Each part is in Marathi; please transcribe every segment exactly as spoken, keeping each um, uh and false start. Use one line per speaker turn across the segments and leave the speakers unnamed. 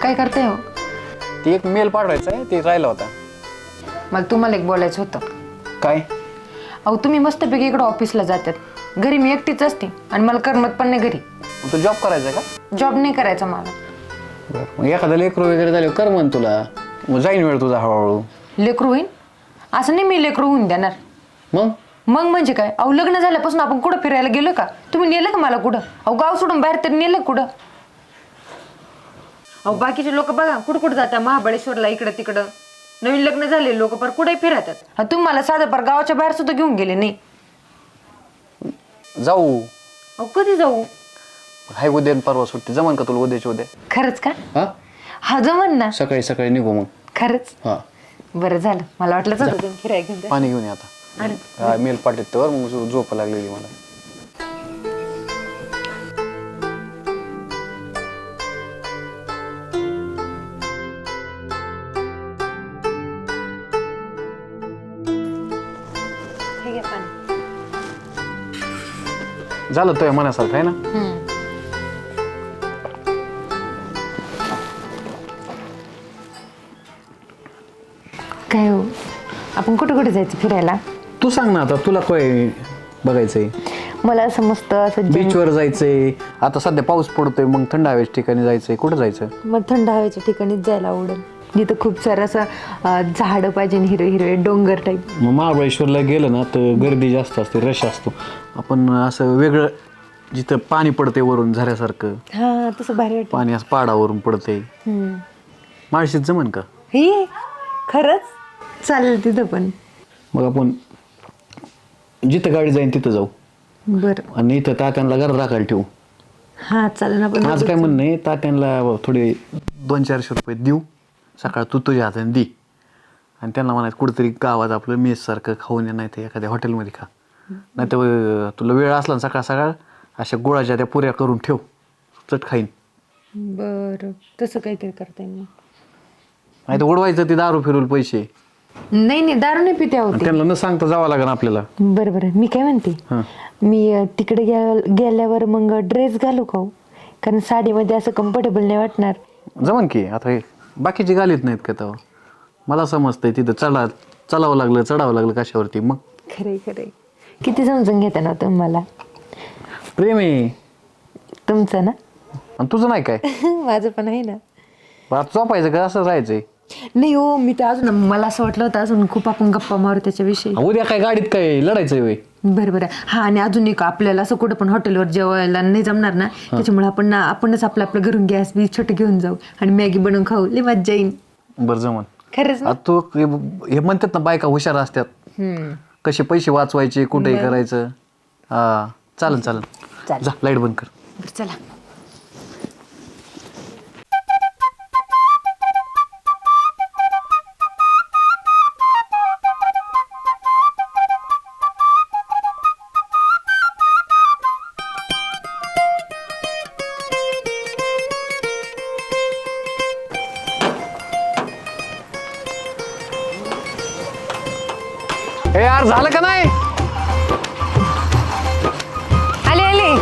काय करताय हो?
ती एक मेल पाठवायचा आहे, ते राहिला होता.
मला तुम्हाला एक बोलायचं होतं.
काय?
अहो तुम्ही मस्तपैकी इकडं ऑफिसला जातात, घरी मी एकटीच असते आणि मला करमत पण नाही घरी.
तू जॉब करायचा आहे का?
जॉब नाही करायचा मला.
मग एखादा लेकरू वगैरे झाले कर म्हण तुला, मग जाईन वेळ तुझा हळूहळू.
लेकरू होईन असं नाही, मी लेकरू होऊन देणार.
मग
मग म्हणजे काय? अहो लग्न झाल्यापासून आपण कुठं फिरायला गेलो का? तुम्ही नेलं का मला कुठं? अहो गाव सोडून बाहेर तरी नेलं कुठं? अहो बाकीचे लोक बघा कुठं कुठं जातात, महाबळेश्वरला, इकडं तिकडं. नवीन लग्न झाले लोक पर कुठेही फिरतात. हा तुम्ही मला साधं पर गावाच्या बाहेर सुद्धा घेऊन गेले नाही.
जाऊ.
अहो कधी जाऊ?
हाय उद्या परवा सुट्टी, जमन का तुला उद्याची उद्या?
खरंच का?
हा
हा जमन ना.
सकाळी सकाळी निघू मग.
खरंच?
हा
बरं झालं, मला वाटलंच होतं तुम्ही फिरायला घेऊन जा.
पाणी घेऊन ये आता. हा, मेल पाठवत तर मग झोप लागलेली मला.
हे घ्या पाणी.
झालं तुझ्या मनासारखं आहे ना?
काय हो, आपण कुठे कुठे जायचं फिरायला?
तू सांग ना आता, तुला काय बघायचंय?
मला असं मस्त असं जंग-
बीचवर जायचंय, आता सध्या पाऊस पडतोय, मग थंड हवेच्या ठिकाणी जायचंय. कुठं जायचं?
मग थंड हवेच्या ठिकाणीच जायला आवडेल, जिथं खूप सारं असं अं, झाडं पाहिजे, हिरवे हिरवे डोंगर टाईप.
मग महाबळेश्वरला गेलं ना तर गर्दी जास्त असते, रश असतो. आपण असं वेगळं जिथं पाणी पडते वरून झऱ्यासारखं,
हा तसं भारी वाटतं.
पाणी असं पहाडावरून पडते.
हम्म.
माळशीत जमन का?
हे खरंच चालेल तिथं पण.
मग आपण जिथं गाडी जाईन तिथं जाऊ,
बरं
आणि इथं तात्यांना घरात राखायला ठेवू.
हा चालेल ना. पण
माझं काय म्हणणं आहे, तात्यांना थोडे दोन चारशे रुपये देऊ, सकाळ तू तुझ्या हाताने दे, आणि त्यांना म्हणायचं कुठेतरी गावात आपलं मेससारखं खाऊन ये, नाही तर एखाद्या हॉटेलमध्ये खा. नाही तर तुला वेळ असला ना सकाळ सकाळ अशा गुळाच्या त्या पुऱ्या करून ठेव, चट खाईन.
बरं तसं काहीतरी करता येईल.
नाही तर उडवायचं ते दारू फिरून पैसे.
नाही नाही दारू नाही पिते होते.
त्यांना न सांगता जावं लागेल आपल्याला.
बरं बरं मी काय म्हणते,
हां
मी अं, तिकडे गे गेल्यावर मग ड्रेस घालू का हो? कारण साडीमध्ये असं कम्फर्टेबल नाही वाटणार.
जमन की. आता हे बाकीची गालीत नाहीत का तेव्हा? मला समजतंय तिथं चढा चढावं लागलं चढावं लागलं कशावरती. मग
खरे खरे किती समजून घेता ना तुम्ही मला.
प्रेम आहे
तुमचं ना.
आणि तुझं नाही काय?
माझं पण आहे ना.
आता झोपायचं का असं राहायचंय?
नाही हो, मी तर अजून मला असं वाटलं होतं अजून खूप आपण गप्पा मारू त्याच्याविषयी.
उद्या काय गाडीत काय लढायचंय वय?
बरं बरं. हा आणि अजून एक आपल्याला असं कुठं पण हॉटेलवर जेवायला नाही जमणार ना, त्याच्यामुळे आपण ना आपणच आपलं आपलं घरून गॅस बी छोटं घेऊन जाऊ आणि मॅगी बनवून खाऊ, लई मज्जा येईल.
बरं जमन.
खरंच ना.
आता तू हे म्हणतात ना बायका हुशार असतात,
हम्म
कसे पैसे वाचवायचे कुठेही करायचं. हा चालन चालन.
चालेल.
जा लाईट बंद कर.
बरं चला.
हे यार झालं का नाही?
आले आले.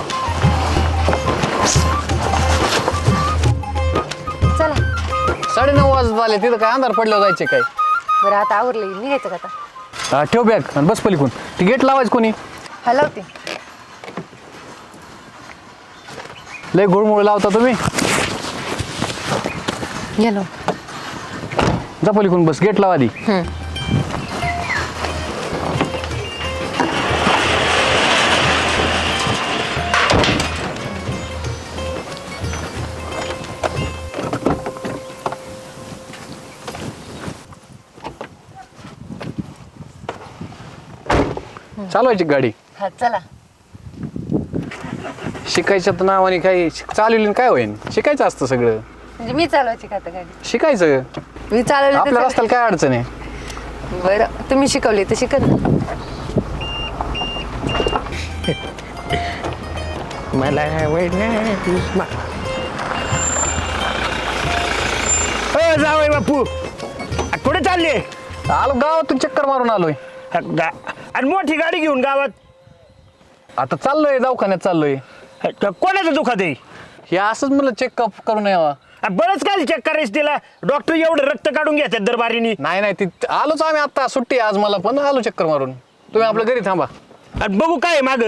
चला.
साडेनऊ वाजत आले, तिथं काय अंधार पडल्यावर जायचे काय?
बरं आता आवरले, निघायचं का आता?
हा, ठेव बॅग आणि बस पलीकडून. ती गेट लावायचं कोणी?
हलवते.
लय गुळमुळ लावता तुम्ही.
गेलो.
जा पलीकडून बस, गेट लावा आधी. चालवायची गाडी.
हा चला.
शिकायच्या तर नावाने काही चालवली काय होईन? शिकायचं असतं सगळं.
म्हणजे मी चालवायची का आता गाडी?
शिकायचं.
मी चालवली
आपल्या
तर
रस्त्याला काय अडचण आहे?
बरं तुम्ही शिकवली तर शिकत.
मला जावय बापू, कुठे चालले?
आलो गावातून चक्कर मारून आलोय.
आणि मोठी गाडी घेऊन गावात
आता चाललोय दवाखान्यात चाललोय.
कोणाचं दुखत आहे?
हे असंच मला चेकअप करून यावा.
बरंच काय चेक करायचं तिला डॉक्टर एवढं रक्त काढून घेतात दरबारीनी.
नाही नाही ती आलोच आम्ही आता सुट्टी आहे आज मला पण आलो चक्कर मारून. तुम्ही आपल्या घरी थांबा.
आणि बघू काय माग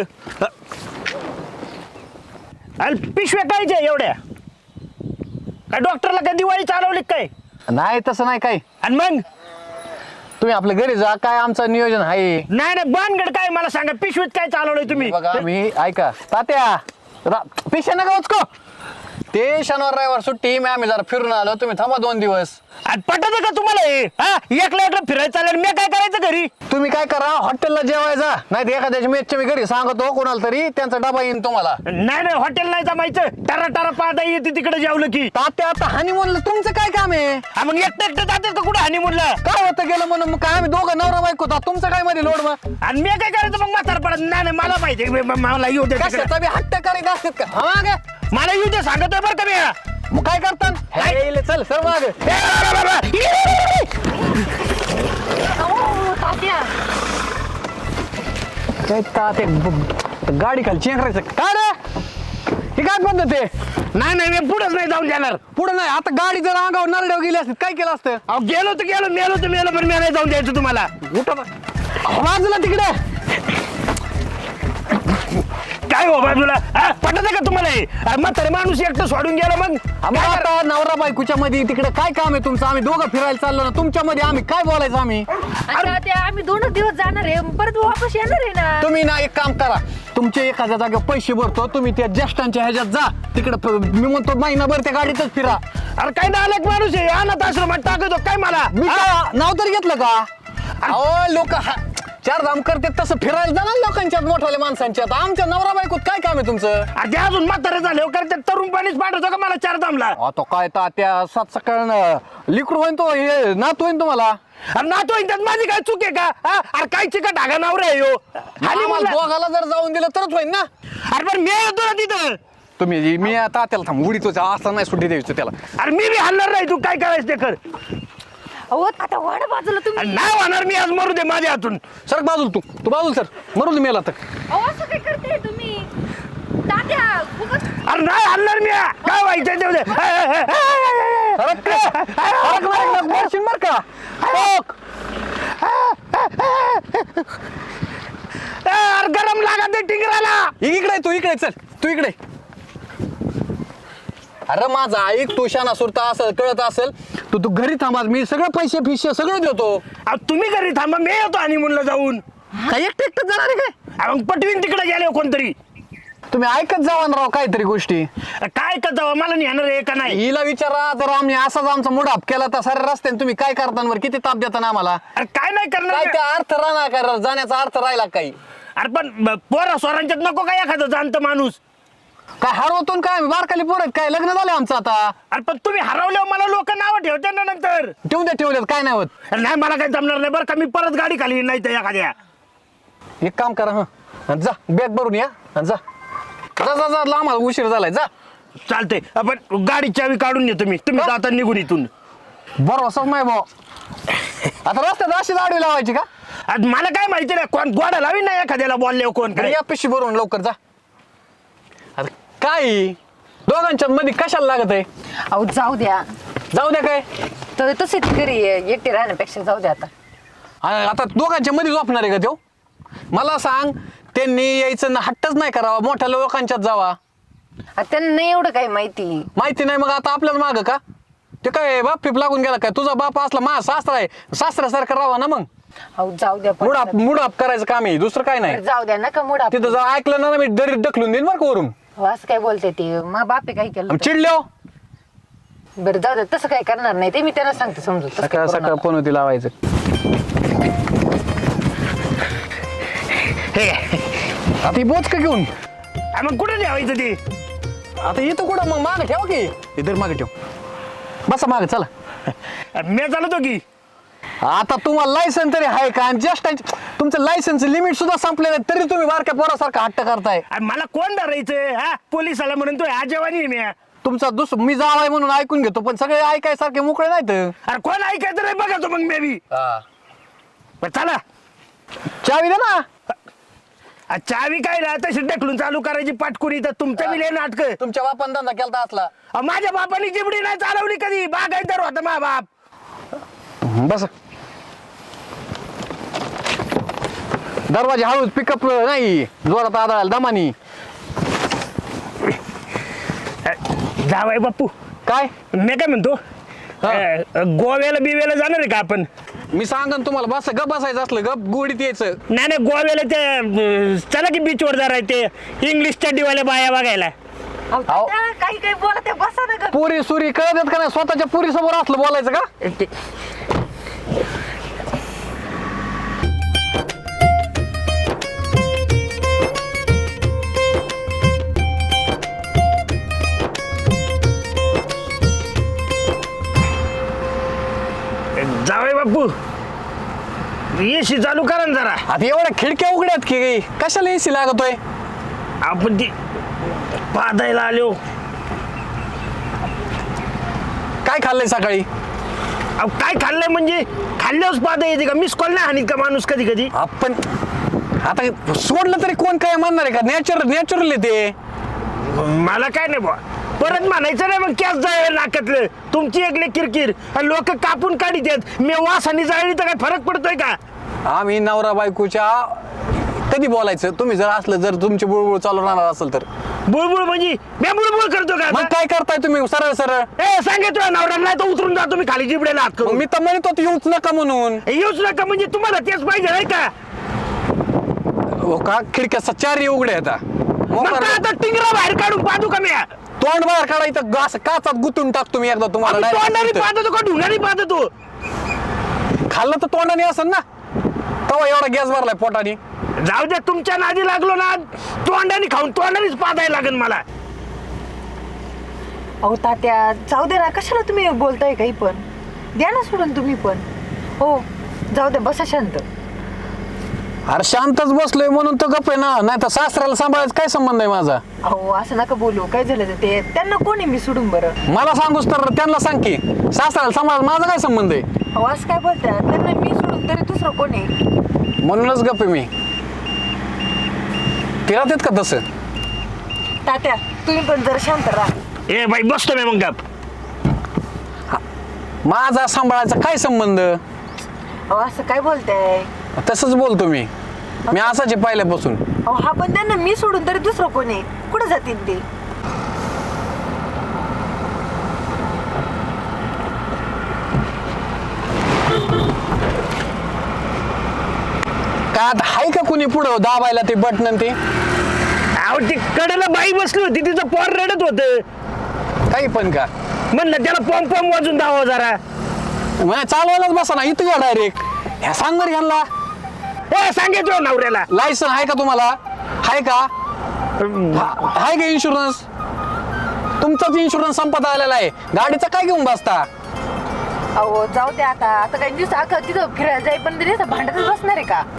पिशव्या कायच्या एवढ्या काय डॉक्टरला काय दिवाळी चालवली काय?
नाही तसं नाही काय.
आणि मग
तुम्ही आपल्या घरी जा. काय आमचं नियोजन आहे.
नाही नाही बानगड काय मला सांगा पिशवीत काय चालवलंय तुम्ही?
बघा मी ऐका तात्या पिशा नका उचको. ते शनिवार रविवार सुट्टी मी आम्ही जरा फिरून आलो. तुम्ही थांबा दोन दिवस.
आणि पटत का तुम्हाला हे हा एकला एकला फिरायचं चालेल मी काय करायचं घरी?
तुम्ही काय करा हॉटेलला जेवायचा नाही तर एखाद्याच्या मेसच्या मी घरी सांगतो कोणाला तरी त्यांचा डबा येईन तुम्हाला.
नाही नाही हॉटेल नाही जमायचं टरा टरा पाहता येते तिकडे जेवलं की.
तात्या आता हनीमूनला तुमचं काय काम आहे.
हा मग एकटं एकटं जातात का कुठं हनीमूनला?
काय होतं गेलं म्हणून मग काय आम्ही दोघं नवरा बायको होता. तुमचं काय मध्ये लोड मग.
आणि मी काय करायचं मग म्हातार पडत नाही नाही मला माहिती आहे, म- मला येऊ दे तिकडे.
कशाचा बी हट्ट करीत असतात का हा मागे.
मला येऊ दे सांगतोय बरं का मी.
मग काय करतात
काय?
चल सर मागे.
ए, बाबा, बाबा.
काय तात्या ब- गाडी खाली चेंगरायचं काय रे. हे काय पद्धत आहे.
नाही नाही मी पुढेच नाही जाऊन जाणार.
पुढे नाही आता गाडी जर अंगावर नरड्यावर गेली असती काय केलं असतं.
अहो गेलो तर गेलो मेलो तर मेलो पण मी नाही जाऊन द्यायचं तुम्हाला.
बाजूला तिकडे
काय हो बाजूला हा पटत का तुम्हाला हे? अरे म्हातारे माणूस एकटं सोडून गेला मग
आम्ही
काय करा-
आता नवरा बायकोच्या मध्ये तिकडे काय काम आहे तुमचं. आम्ही दोघं फिरायला चाललो ना तुमच्या मध्ये आम्ही काय बोलायचं आम्ही.
आता ते आम्ही दोनच दिवस जाणार आहे परत वापस येणार आहे ना.
तुम्ही ना एक काम करा तुमचे एखाद्या जागेवर पैसे भरतो तुम्ही त्या ज्येष्ठांच्या ह्याच्यात जा तिकडे मी म्हणतो महिनाभर त्या गाडीतच फिरा.
अरे काय नालायक माणूस आहे अनाथ आश्रमात टाकतो काय मला
मी
हा?
काय नाव तरी घेतलं का. अहो लोक चार धाम करतात तसं फिरायला जाणार लोकांच्यात मोठ्याल्या माणसांच्यात. आमच्या नवरा बायकोत काय काम आहे तुमचं.
अरे अजून म्हातारे झाले करते तरुण पाणीच पाठवतो का मला चार दामला.
आता काय तात्या सात सकाळ लिक्विड होईन तो हे नात होईन तुम्हाला.
अरे नातो त्यात माझी काय चूक आहे का हा? अरे काय चिका ढागा नावर आहे ह्यो. आणि
आम्हाला
म्हणलं-
दोघाला जर जाऊन दिलं तरच होईन ना.
अरे पण मी येतो ना तिथं.
तुम्ही मी आता त्याला थांब उडीतो असं नाही सुट्टी द्यायचं त्याला.
अरे मी बी हलणार नाही तू काय करायचं ते कर.
अहो आता वाढ बाजूला
अरे
तुम्ही.
नाही होणार मी आज मरू दे माझ्या हातून.
सर बाजूल तू तू बाजूल सर मरू दे मेला तर.
अहो असं काय करते तुम्ही तात्या खूपच.
अरे नाही हलणार मी काय व्हायचं ते उद्या. ए, ए, ए, ए, ए,
फरक का? फरक नाही का? मारशील बरं का. ओक.
ए, अरे गरम लागत आहे टिंगराला.
इक इकडे तू इकडे चल तू इकडे. अरे माझा ऐक तू शाना सुरता असेल कळत असेल तू तू घरी थांबा मी सगळं पैसे फिशे सगळं देतो.
अहो, तुम्ही घरी थांबा मी येतो आणि म्हणलं जाऊन.
काय एकटं एकटं जाणार आहे काय.
अरे मग पटवीन तिकडे गेले कोणतरी.
तुम्ही ऐकत जावा ना राव काहीतरी गोष्टी.
अरे काय करता मला नेणार आहे का नाही.
हिला विचारा जर आम्ही असाच आमचा मुडाप केला तर सारे रस्त्याने तुम्ही काय करता वर किती ताप देता ना आम्हाला.
अरे काय नाही
काय
करणार.
त्या अर्थ राहणार का जाण्याचा अर्थ राहिला काही.
अरे पण ब- पोरा स्वरांच्यात नको काय एखादं जाणतं माणूस.
काय हरवतो न काय आम्ही बारकाली पोरत काय लग्न झालं आमचं आता.
अरे पण तुम्ही हरवल्यावर मला लोक नाव ठेवते ना नंतर.
ठेवून द्या ठेवल्यात काय नाही होत.
अरे नाही मला काही जमणार नाही बरं का मी परत गाडी खाली नाही तर एखाद्या.
एक काम करा हं जा बॅग भरून या आणि जा जा जा जा लांब उशीर झालाय जा.
चालते आपण गाडी चावी काढून येतो मी तुम्ही जाता निघून इथून.
बरं असंच नाही भाऊ आता रस्त्यात अशीच आडवी लावायची का.
आज मला काय माहिती नाही कोण गोडा लावी नाही एखाद्याला बोलले कोण काय.
या पिशी भरून लवकर जा. आता काय दोघांच्या मध्ये कशाला लागत आहे.
अहो जाऊ द्या
जाऊ द्या काय
तर तसेच घरी एकटे राहण्यापेक्षा जाऊ द्या आता.
आणि आता दोघांच्या मध्ये झोपणार आहे का तो. मला सांग त्यांनी यायचं ना हट्टच नाही करावा मोठ्या लोकांच्यात जावा.
आता त्यांना नाही एवढं काही माहिती.
माहिती नाही मग आता आपल्याला माग का ते काय बाप फिप लागून गेला काय. तुझा बाप असला मा सासरा आहे सासऱ्यासारखं राहावा ना मग.
अहो जाऊ द्या पण.
मुडाप मुडाप करायचं काम आहे दुसरं काय नाही.
जाऊ द्या नका मुडा.
तिथं जर ऐकलं ना मी दरीत ढकलून देईन बरं का वरून.
असं काय बोलते ते मा बापे काय केलं
आम्ही चिडलो
बरं जाऊ द्या तसं काय करणार नाही ते मी त्यांना सांगते समजू तसं काय
सकाळ
करू
सकाळ
नका.
पण होती लावायचं.
हे
आता ही बोच का घेऊन
अरे मग कुठे ठेवायचं ते.
आता येतो कुठं मग मागे ठेवा की इधर मागे ठेव बसा मागे चला.
अरे मी चालतो की.
आता तुम्हाला लायसन तरी आहे का आणि जस्ट तुमचं लायसनचं लिमिट सुद्धा संपलेलं आहे तरी तुम्ही बारक्या पोरासारखं हट्ट करताय.
अरे मला कोण धरायचं हा पोलिसाला म्हणून तो ह्या जेवानी आहे मी.
तुमचा दुस मी जावाय म्हणून ऐकून घेतो पण सगळे ऐकायसारखे मोकळे नाहीत.
अरे कोण ऐकायचं नाही बघा तो मग मे बी. बरं, चला
चावी दे ना.
आ, चावी काय ना तशी ढकलून चालू करायची पाटकुरी तर तुमचं बी लय नाटक.
तुमच्या बापान धंदा केलता असला.
माझ्या बापाने चिमडी नाही चालवली कधी, बागायतर होता मा बाप.
बस दरवाजा हळूच, पिकअप नाही जोरात आदळायला दमानी.
जावाय बापू
काय
मी काय म्हणतो,
हा.
अ, गोव्याला बिव्याला जाणार आहे का आपण?
मी सांगन तुम्हाला, बस गप बसायचं असलं गप गोडीत यायचं.
नाही नाही गोव्याला ते अ, चला की बीचवर जरा ते इंग्लिश चड्डीवाल्या बाया बघायला.
अहो, तात्या, काही काही बोलत आहे, बसा ना गं.
पुरी सुरी कळत येत का नाही, स्वतःच्या पुरी समोर असलं बोलायचं का?
ते- जावई बापू एसी चालू करा ना जरा.
आता एवढ्या खिडक्या उघड्यात की काही कशाला एसी लागतोय?
आपण ती पादायला आलो.
काय खाल्लंय सकाळी?
अहो काय खाल्लंय म्हणजे खाल्ल्यावर पादा येते का? मिस कॉल नाही हानीत का माणूस कधी कधी?
आपण आता सोडलं तरी कोण काय म्हणणार आहे का? नॅचरल नॅचरल आहे ते.
मला काय नाही बा, परत म्हणायचं नाही मग कॅस जाय नाकातलं. तुमची एकले किरकिर लोक कापून काढीत आहेत. मी वास आणि जाळी तर काय फरक पडतोय का?
आम्ही नवरा बायकोच्या कधी बोलायचं? तुम्ही जर असलं, जर तुमची बुळबुळ चालू राहणार असेल तर
बुळबुळ म्हणजे मी बुळबुळ करतो का
मग
आता?
काय करताय तुम्ही सरळ सरळ?
ए सांगितलं नवरा नाही तर उतरून जातो मी खाली जिबड्याला हात
मग
करून.
मी तर म्हणत होतो येऊच नका म्हणून.
येऊच नका म्हणजे तुम्हाला तेच पाहिजे आहे का?
हो का? खिडक्या चारही उघड्या आता.
मग काय आता टिंगरा बाहेर काढून पाहतो का मी?
तोंड बाहेर काढायचं, असं काचात गुतून टाकतो मी एकदा तुम्हाला.
आम्ही
direct
तोंडाने
इथं.
पाहतो का ढुंगाने पाहतो तू?
खाल्लं तर तोंडाने असेल ना, तवा एवढा गॅस भरलाय पोटाने.
जाऊ दे, तुमच्या नादी लागलो ना तोंडाने खाऊन तोंडानेच पाहायला लागेल मला.
अहो तात्या जाऊ दे ना, कशाला तुम्ही बोलताय काही पण? द्या ना सोडून तुम्ही पण. हो जाऊ दे, बसा शांत.
अरे शांतच बसलोय म्हणून तर गप आहे ना, नाही तर सासऱ्याला सांभाळायचं काय संबंध आहे माझा?
अहो असं नका बोलू, काय झालं तर ते त्यांना कोणी मी सोडून बरं.
मला सांगूस तर त्यांना सांग की, सासऱ्याला सांभाळायचं माझा काय संबंध आहे?
अहो असं काय बोलतात, त्यांना मी सोडून तरी दुसरं कोणी?
म्हणूनच गप आहे मी. तिला देत का तसं?
तात्या तुम्ही पण जरा शांत राहा.
ए बाई बसतो मी मग गप.
माझा सांभाळायचा काय संबंध?
अहो असं काय बोलताय?
तसंच बोलतो मी. मी असाच आहे पहिल्यापासून.
अहो हा पण त्यांना मी सोडून तरी दुसरं कोणी? कुठं जातील ते?
काय आता हाय का कुणी पुढं दाबायला ते बटन ते?
अहो ती कडेला बाई बसली होती, तिचं पोर रडत होतं.
काही पण का?
म्हणलं त्याला पॉम पॉम वाजून दावा जरा.
मला चालवायलाच बसा ना इथं डायरेक्ट. ह्या सांग बरं ह्यांना,
ए सांगितलं नवऱ्याला.
लायसन आहे का तुम्हाला? आहे का? हा- आहे का इन्शुरन्स? तुमचाच इन्शुरन्स संपत आलेला आहे, गाडीचा काय घेऊन बसता?
अहो जाऊ दे आता. आता काही दिवस अख्खं तिथं फिरायला जाई पण तरी भांडतच बसणार आहे का?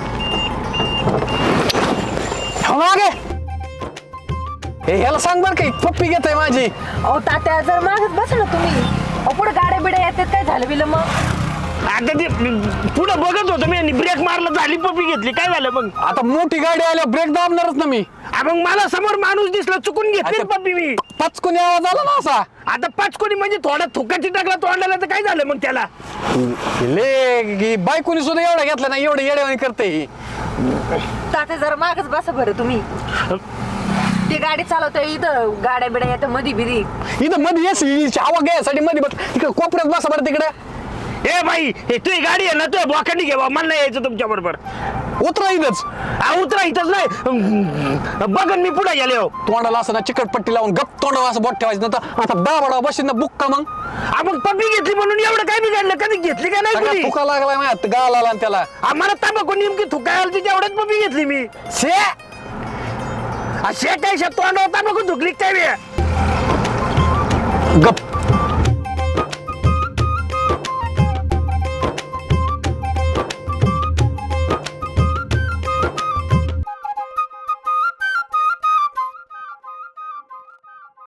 हो मागे. हे ह्याला सांग बरं काही पप्पी घेत आहे माझी.
अहो तात्या जर मागच बस ना तुम्ही. अहो पुढे गाड्या बिड्या येतात, काय झालं बिलं मग?
आता ते पुढे बघत होतो मी आणि ब्रेक मारला, झाली पपी घेतली, काय झालं मग?
आता मोठी गाडी आल्या ब्रेक दाबणारच ना मी.
आ, मग मला समोर माणूस दिसला, चुकून घेतली
अच्छा.
पप्पी मी.
पचकुनी आवाज आला ना असा.
आता पाच कोणी म्हणजे थोडा थुकाची टाकला तोंडाला तर काय झालं मग त्याला?
ले बायकोनी सुद्धा एवढा घेतला ना, एवढं येड्यावानी करते ही.
तात्या जरा मागच बसा बरं तुम्ही. ती गाडी चालवतोय इथं, गाड्या बिड्या येतात मधी बिधी.
इथं मध्ये येस हवा घ्यायसाठी मध्ये बस तिकडे कोपऱ्यात बसा बरं तिकडे.
ए बाई हे तुझी गाडी आहे ना, तुझ्या बोकांनी घे बा, मला नाही यायचं तुमच्या बरोबर.
उतरा इथंच.
हा उतरा इथंच नाही बघन मी पुढे गेले हो.
तोंडाला असं ना चिकटपट्टी लावून गप तोंडाला असं बोट ठेवायचं नंतर आता दाबडा बशीन ना बुक्का मग.
हा मग पप्पी घेतली म्हणून एवढं काय बिघडलं? कधी घेतली का नाही
सगळा
कुणी?
फुका लागला माझ्या गाळाला आला आणि त्याला.
आम्हाला तांबाखू नेमकी थुकायला तिच्या एवढ्याच पप्पी घेतली मी.
शे
असे काय तोंडावर तांबाखू थुकली काय बे?
गप